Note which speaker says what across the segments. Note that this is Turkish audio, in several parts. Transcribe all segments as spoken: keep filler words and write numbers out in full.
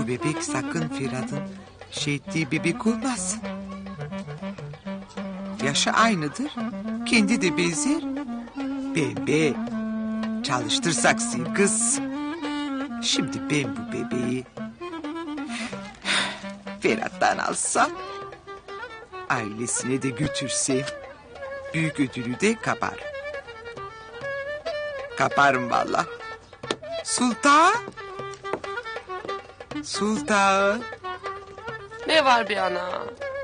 Speaker 1: bebek sakın Ferhat'ın şey ettiği bebek olmasın. Yaşı aynıdır. Kendi de benzer. Bebe. Çalıştırsak sil kız. Şimdi ben bu bebeği Ferhat'tan alsam, ailesine de götürsem, büyük ödülü de kapar. Kaparım vallahi. Sultan. Sultan.
Speaker 2: Ne var bir ana?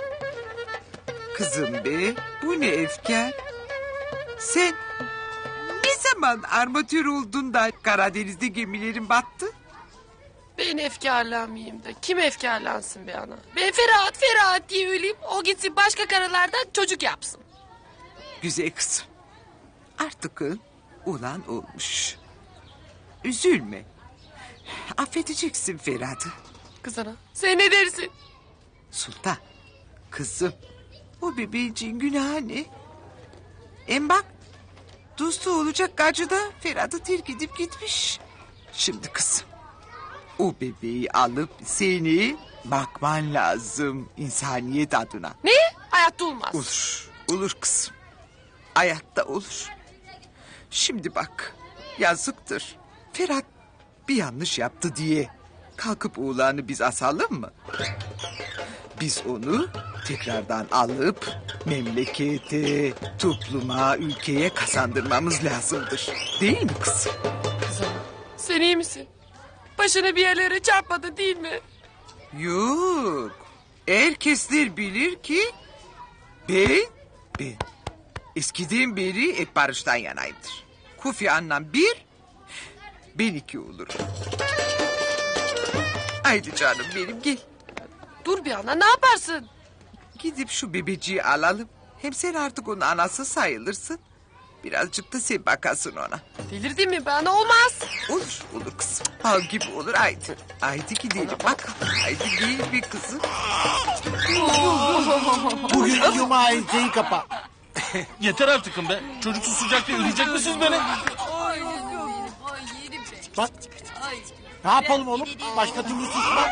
Speaker 1: Kızım be, bu ne efkar? Sen ne zaman armatör oldun da Karadeniz'de gemilerin battı?
Speaker 2: Ben efkarlanmayayım da kim efkarlansın be ana? Ben Ferhat Ferhat diye öleyim, o gitsin başka karılardan çocuk yapsın.
Speaker 1: Güzel kızım. Artık ulan olmuş. Üzülme. Affedeceksin Ferhat'ı.
Speaker 2: Kız ana sen ne dersin?
Speaker 1: Sultan, kızım, o bebeğin günahı ne? Hem bak, dostu olacak gacı da Ferhat'ı terk edip gitmiş. Şimdi kızım, o bebeği alıp seni bakman lazım insaniyet adına.
Speaker 2: Ne? Hayatta olmaz.
Speaker 1: Olur, olur kızım. Hayatta olur. Şimdi bak, yazıktır. Ferhat bir yanlış yaptı diye kalkıp oğlanı biz asalım mı? Biz onu tekrardan alıp memlekete, topluma, ülkeye kazandırmamız lazımdır. Değil mi kızım?
Speaker 2: Kız ana sen iyi misin? Başını bir yerlere çarpmadı değil mi?
Speaker 1: Yok. Herkesler bilir ki ben, ben eskiden beri hep barıştan yanayımdır. Kufi annem bir, ben iki olurum. Haydi canım benim gel.
Speaker 2: Dur bir ana ne yaparsın?
Speaker 1: Gidip şu bebeciği alalım. Hem sen artık onun anası sayılırsın. Birazcık da sen bakasın ona.
Speaker 2: Delirdin mi be ana olmaz.
Speaker 1: Olur, olur kızım. Bal gibi olur haydi. Haydi gidelim bak. Haydi gel bir kızım.
Speaker 3: Bugün cuma enseyi kapa.
Speaker 4: Yeter artık be. Çocuksuz sıcakta öldürecek misiniz beni?
Speaker 3: Bak. Ne yapalım oğlum? Başka türlü susma.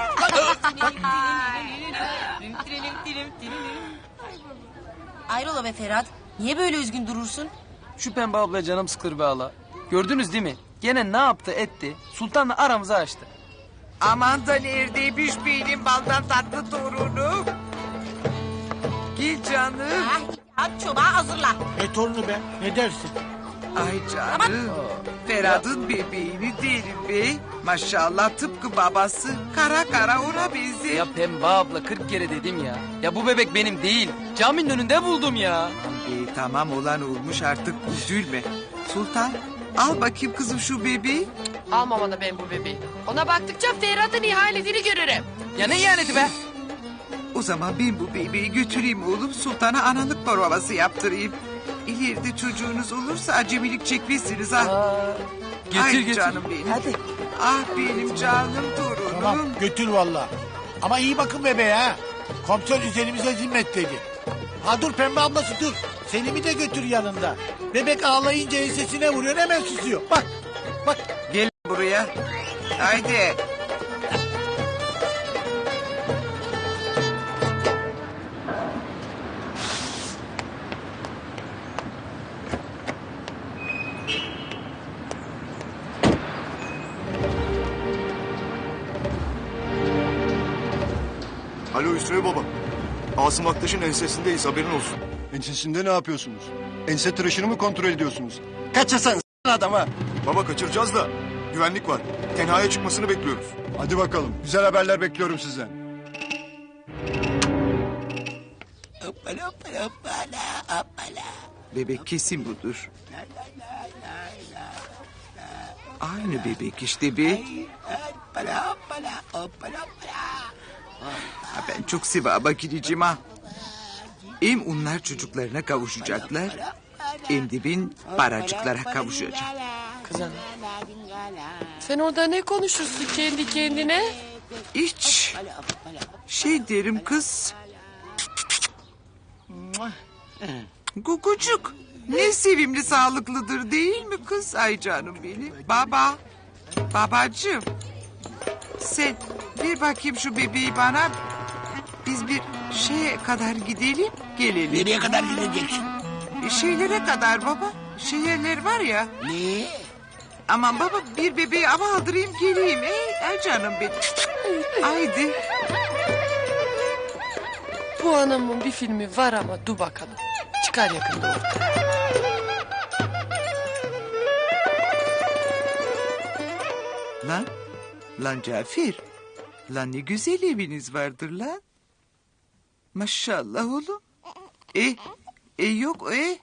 Speaker 5: Ayrola be Ferhat. Niye böyle üzgün durursun?
Speaker 6: Şu Pembe abla canım sıkılır be hala. Gördünüz değil mi? Gene ne yaptı etti. Sultanla aramızı açtı.
Speaker 1: Aman da neredeymiş benim baldan tatlı torunum. Gel canım.
Speaker 5: Ay, hadi çobağı hazırla.
Speaker 3: Ne torunu be? Ne dersin?
Speaker 1: Ay canım. Ferhat'ın bebeğini derim be. Maşallah tıpkı babası. Kara kara ona benzer.
Speaker 6: Ya Pembe abla kırk kere dedim ya. Ya bu bebek benim değil. Caminin önünde buldum ya.
Speaker 1: E, tamam olan olmuş artık üzülme. Sultan al bakayım kızım şu bebeği.
Speaker 2: Almam ana ben bu bebeği. Ona baktıkça Ferhat'ın ihanetini görürüm.
Speaker 6: Ya ne ihaneti be?
Speaker 1: O zaman ben bu bebeği götüreyim oğlum. Sultan'a analık provası yaptırayım. İleride çocuğunuz olursa acemilik çekmezsiniz ha.
Speaker 6: Aa, getir
Speaker 1: Ay
Speaker 6: getir.
Speaker 1: canım benim.
Speaker 6: Hadi.
Speaker 1: Ah benim canım torunum.
Speaker 3: Tamam götür valla. Ama iyi bakın bebeğe ha. Komiser üzerimize zimmetledi. Ha dur Pembe ablası dur. Selim'i de götür yanında. Bebek ağlayınca ensesine vuruyor hemen susuyor. Bak bak.
Speaker 1: Gel buraya. Haydi.
Speaker 7: Alo Hüsnü Baba. Asım Aktaş'ın ensesindeyiz haberin olsun.
Speaker 8: Ensesinde ne yapıyorsunuz? Ense tıraşını mı kontrol ediyorsunuz? Kaçırsan adama.
Speaker 7: Baba kaçıracağız da güvenlik var. Tenhaya çıkmasını bekliyoruz.
Speaker 8: Hadi bakalım. Güzel haberler bekliyorum sizden.
Speaker 3: Hoppala hoppala hoppala hoppala.
Speaker 1: Bebek kesin budur. Aynı bebek işte be.
Speaker 3: Hoppala hoppala hoppala hoppala.
Speaker 1: Ha, ben çok sevaba gireceğim ha. Hem onlar çocuklarına kavuşacaklar. Hem de ben paracıklara kavuşacağım.
Speaker 2: Kız ana. Sen orada ne konuşursun kendi kendine?
Speaker 1: Hiç. Şey derim kız. Kukucuk. Ne sevimli sağlıklıdır değil mi kız? Ay canım benim. Baba. Babacığım. Sen ver bakayım şu bebeği bana. Biz bir şeye kadar gidelim, gelelim.
Speaker 9: Nereye kadar gideceksin?
Speaker 1: Şeylere kadar baba. Şehirler var ya.
Speaker 9: Ne?
Speaker 1: Aman baba bir bebeği ama aldırayım geleyim. Ey, ay canım benim. Haydi.
Speaker 2: Bu anamın bir filmi var ama dur bakalım. Çıkar yakında ortaya.
Speaker 1: Lan, lan Cafer. Lan ne güzel eviniz vardır lan. Maşallah oğlum. E, e yok e.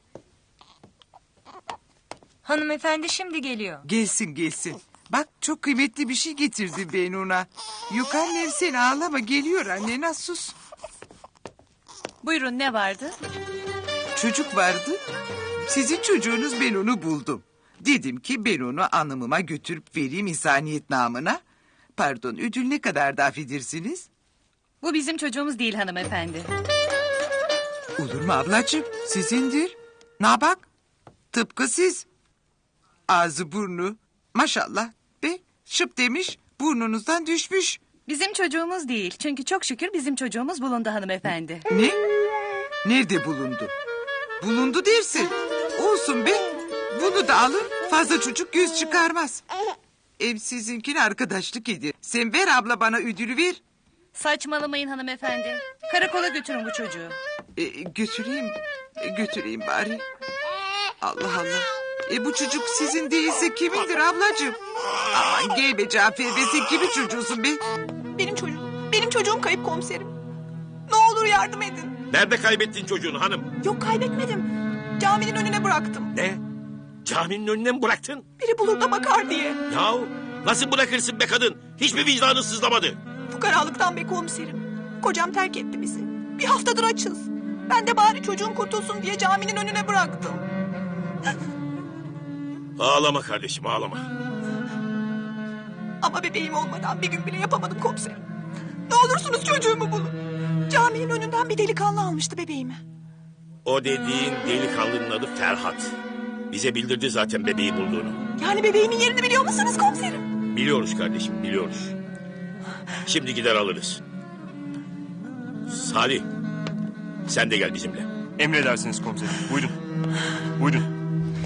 Speaker 5: Hanımefendi şimdi geliyor.
Speaker 1: Gelsin gelsin. Bak çok kıymetli bir şey getirdim ben ona. Yok annem sen ağlama geliyor annen sus.
Speaker 5: Buyurun ne vardı?
Speaker 1: Çocuk vardı. Sizin çocuğunuz ben onu buldum. Dedim ki ben onu anımıma götürüp vereyim insaniyet namına. Pardon ödül ne kadar da affedersiniz?
Speaker 5: Bu bizim çocuğumuz değil hanımefendi.
Speaker 1: Olur mu ablacığım? Sizindir. Ne bak? Tıpkı siz. Ağzı burnu. Maşallah. Be şıp demiş burnunuzdan düşmüş.
Speaker 5: Bizim çocuğumuz değil. Çünkü çok şükür bizim çocuğumuz bulundu hanımefendi.
Speaker 1: Ne? Nerede bulundu? Bulundu dersin. Olsun be. Bunu da alın. Fazla çocuk göz çıkarmaz. Ev sizinkine arkadaşlık edin. Sen ver abla bana ödülü ver.
Speaker 5: Saçmalamayın hanımefendi. Karakola götürün bu çocuğu.
Speaker 1: E, götüreyim. E, götüreyim bari. Allah Allah. E bu çocuk sizin değilse kimindir ablacığım? Aman gel be Cafer be sen kimin çocuğusun be?
Speaker 10: Benim çocuğum. Benim çocuğum kayıp komiserim. Ne olur yardım edin.
Speaker 11: Nerede kaybettin çocuğunu hanım?
Speaker 10: Yok kaybetmedim. Caminin önüne bıraktım.
Speaker 11: Ne? Caminin önüne mi bıraktın?
Speaker 10: Biri bulur da bakar diye.
Speaker 11: Yahu nasıl bırakırsın be kadın? Hiçbir vicdanın sızlamadı.
Speaker 10: Fukaralıktan be komiserim. Kocam terk etti bizi. Bir haftadır açız. Ben de bari çocuğum kurtulsun diye caminin önüne bıraktım.
Speaker 11: Ağlama kardeşim ağlama.
Speaker 10: Ama bebeğim olmadan bir gün bile yapamadım komiserim. Ne olursunuz çocuğumu bulun. Caminin önünden bir delikanlı almıştı bebeğimi.
Speaker 11: O dediğin delikanlının adı Ferhat. Bize bildirdi zaten bebeği bulduğunu.
Speaker 10: Yani bebeğimin yerini biliyor musunuz komiserim?
Speaker 11: Biliyoruz kardeşim biliyoruz. Şimdi gider alırız. Salih sen de gel bizimle.
Speaker 8: Emredersiniz komiserim. Buyurun. Buyurun.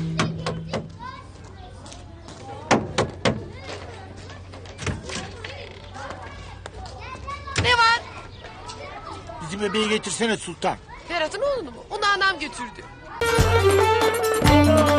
Speaker 2: Ne var?
Speaker 3: Bizim bebeği getirsene Sultan.
Speaker 2: Ferhat'ın oğlunu mu? Onu anam götürdü.